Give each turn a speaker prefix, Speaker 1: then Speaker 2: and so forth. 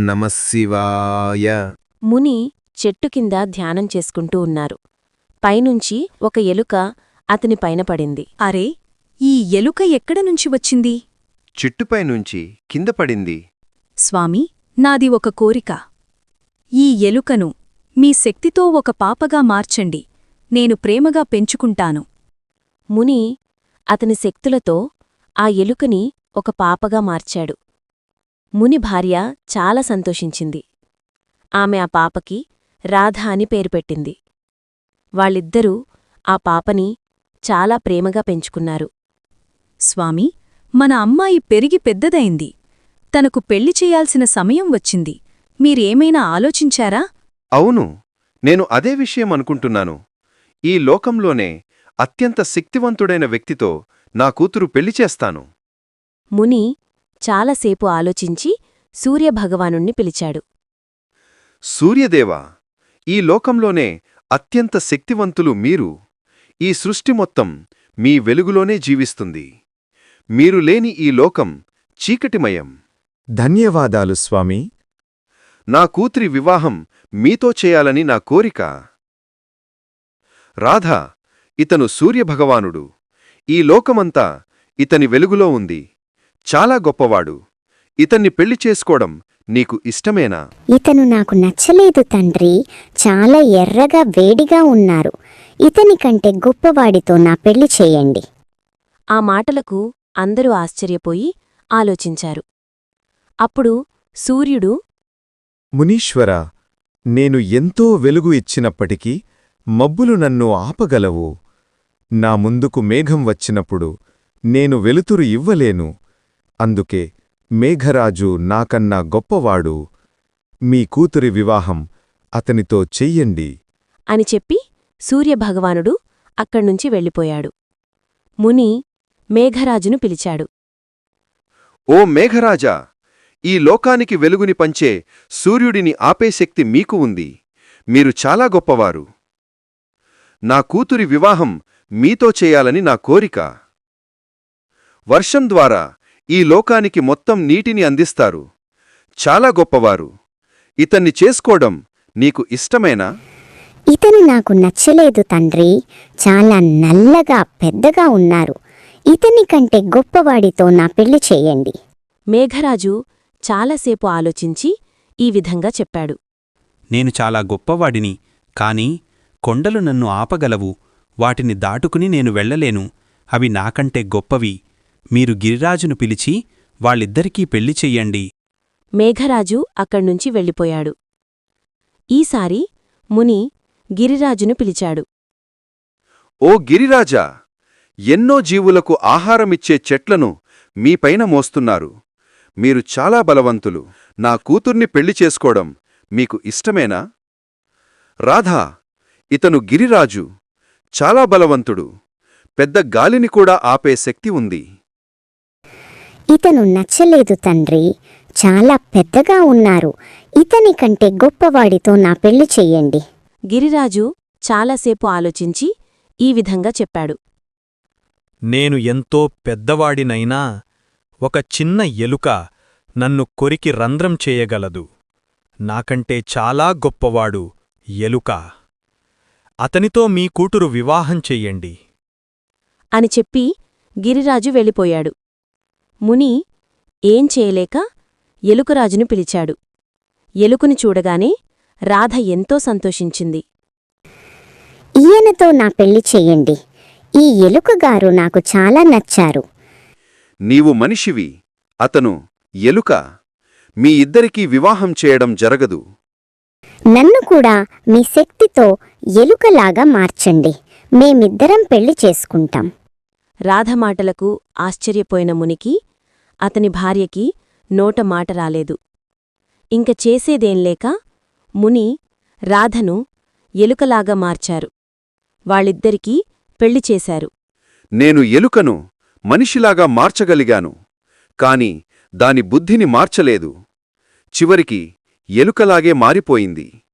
Speaker 1: నమఃశివాయ.
Speaker 2: ముని చెట్టు కింద ధ్యానం చేసుకుంటూ ఉన్నారు. పైనుంచి ఒక ఎలుక అతని పైన పడింది.
Speaker 3: అరే, ఈ ఎలుక ఎక్కడనుంచి వచ్చింది?
Speaker 1: చెట్టుపైనుంచి కింద పడింది.
Speaker 3: స్వామీ, నాది ఒక కోరిక. ఈ ఎలుకను మీ శక్తితో ఒక పాపగా మార్చండి. నేను ప్రేమగా పెంచుకుంటాను.
Speaker 2: ముని అతని శక్తులతో ఆ ఎలుకని ఒక పాపగా మార్చాడు. ముని భార్య చాలా సంతోషించింది. ఆమె ఆ పాపకి రాధ అని పేరు పెట్టింది. వాళ్ళిద్దరూ ఆ పాపని చాలా ప్రేమగా పెంచుకున్నారు.
Speaker 3: స్వామీ, మన అమ్మాయి పెరిగి పెద్దదైంది. తనకు పెళ్లి చేయాల్సిన సమయం వచ్చింది. మీరేమైనా ఆలోచించారా?
Speaker 1: అవును, నేను అదే విషయం అనుకుంటున్నాను. ఈ లోకంలోనే అత్యంత శక్తివంతుడైన వ్యక్తితో నా కూతురు పెళ్లి చేస్తాను.
Speaker 2: ముని చాలాసేపు ఆలోచించి సూర్యభగవానుణ్ణి పిలిచాడు.
Speaker 1: సూర్యదేవా, ఈ లోకంలోనే అత్యంత శక్తివంతులు మీరు. ఈ సృష్టి మొత్తం మీ వెలుగులోనే జీవిస్తుంది. మీరు లేని ఈ లోకం చీకటిమయం.
Speaker 4: ధన్యవాదాలు స్వామీ.
Speaker 1: నా కూతురి వివాహం మీతో చేయాలని నా కోరిక. రాధా, ఇతను సూర్యభగవానుడు. ఈ లోకమంతా ఇతని వెలుగులో ఉంది. చాలా గొప్పవాడు. ఇతన్ని పెళ్లి చేసుకోవడం నీకు ఇష్టమేనా?
Speaker 5: ఇతను నాకు నచ్చలేదు తండ్రి. చాలా ఎర్రగా వేడిగా ఉన్నారు. ఇతని కంటే గొప్పవాడితో నా పెళ్లి చేయండి.
Speaker 2: ఆ మాటలకు అందరూ ఆశ్చర్యపోయి ఆలోచించారు. అప్పుడు సూర్యుడు,
Speaker 4: మునీశ్వరా, నేను ఎంతో వెలుగు ఇచ్చినప్పటికీ మబ్బులు నన్ను ఆపగలవు. నా ముందుకు మేఘం వచ్చినప్పుడు నేను వెలుతురు ఇవ్వలేను. అందుకే మేఘరాజు నాకన్నా గొప్పవాడు. మీ కూతురి వివాహం అతనితో చెయ్యండి
Speaker 2: అని చెప్పి సూర్యభగవానుడు అక్కడ్నుంచి వెళ్ళిపోయాడు. ముని మేఘరాజును పిలిచాడు.
Speaker 1: ఓ మేఘరాజా, ఈ లోకానికి వెలుగుని పంచే సూర్యుడిని ఆపే శక్తి మీకు ఉంది. మీరు చాలా గొప్పవారు. నా కూతురి వివాహం మీతో చేయాలని నా కోరిక. వర్షం ద్వారా ఈ లోకానికి మొత్తం నీటిని అందిస్తారు. చాలా గొప్పవారు. ఇతన్ని చేసుకోవడం నీకు ఇష్టమేనా?
Speaker 5: ఇతను నాకు నచ్చలేదు తండ్రి. చాలా నల్లగా పెద్దగా ఉన్నారు. ఇతని కంటే గొప్పవాడితో నా పెళ్లి చేయండి.
Speaker 2: మేఘరాజు చాలాసేపు ఆలోచించి ఈ విధంగా చెప్పాడు.
Speaker 6: నేను చాలా గొప్పవాడిని, కాని కొండలు నన్ను ఆపగలవు. వాటిని దాటుకుని నేను వెళ్లలేను. అవి నాకంటే గొప్పవి. మీరు గిరిరాజును పిలిచి వాళ్ళిద్దరికీ పెళ్లి చెయ్యండి.
Speaker 2: మేఘరాజు అక్కడ్నుంచి వెళ్ళిపోయాడు. ఈసారి ముని గిరిరాజును పిలిచాడు.
Speaker 1: ఓ గిరిరాజా, ఎన్నో జీవులకు ఆహారమిచ్చే చెట్లను మీపైన మోస్తున్నారు. మీరు చాలా బలవంతులు. నా కూతుర్ని పెళ్లి చేసుకోవడం మీకు ఇష్టమేనా? రాధా, ఇతను గిరిరాజు. చాలా బలవంతుడు. పెద్ద గాలిని కూడా ఆపే శక్తి ఉంది.
Speaker 5: ఇతను నచ్చలేదు తండ్రి. చాలా పెద్దగా ఉన్నారు. ఇతని కంటే గొప్పవాడితో నా పెళ్లి చెయ్యండి.
Speaker 2: గిరిరాజు చాలాసేపు ఆలోచించి ఈ విధంగా చెప్పాడు.
Speaker 7: నేను ఎంతో పెద్దవాడినైనా ఒక చిన్న ఎలుక నన్ను కొరికి రంధ్రం చేయగలదు. నాకంటే చాలా గొప్పవాడు ఎలుక. అతనితో మీ కూతురు వివాహం చెయ్యండి
Speaker 2: అని చెప్పి గిరిరాజు వెళ్ళిపోయాడు. ముని ఏం చేయలేక ఎలుకరాజును పిలిచాడు. ఎలుకని చూడగానే రాధ ఎంతో సంతోషించింది.
Speaker 5: ఈయనతో నా పెళ్లి చెయ్యండి. ఈ ఎలుకగారు నాకు చాలా నచ్చారు.
Speaker 1: నీవు మనిషివి, అతను ఎలుక. మీ ఇద్దరికీ వివాహం చేయడం జరగదు.
Speaker 5: నన్ను కూడా మీ శక్తితో ఎలుకలాగా మార్చండి. మేమిద్దరం పెళ్లి చేసుకుంటాం.
Speaker 2: రాధ మాటలకు ఆశ్చర్యపోయిన మునికి అతని భార్యకి నోట మాట రాలేదు. ఇంక చేసేదేంలేక ముని రాధను ఎలుకలాగా మార్చారు. వాళ్ళిద్దరికీ పెళ్లి చేశారు.
Speaker 1: నేను ఎలుకను మనిషిలాగా మార్చగలిగాను, కాని దాని బుద్ధిని మార్చలేదు. చివరికి ఎలుకలాగే మారిపోయింది.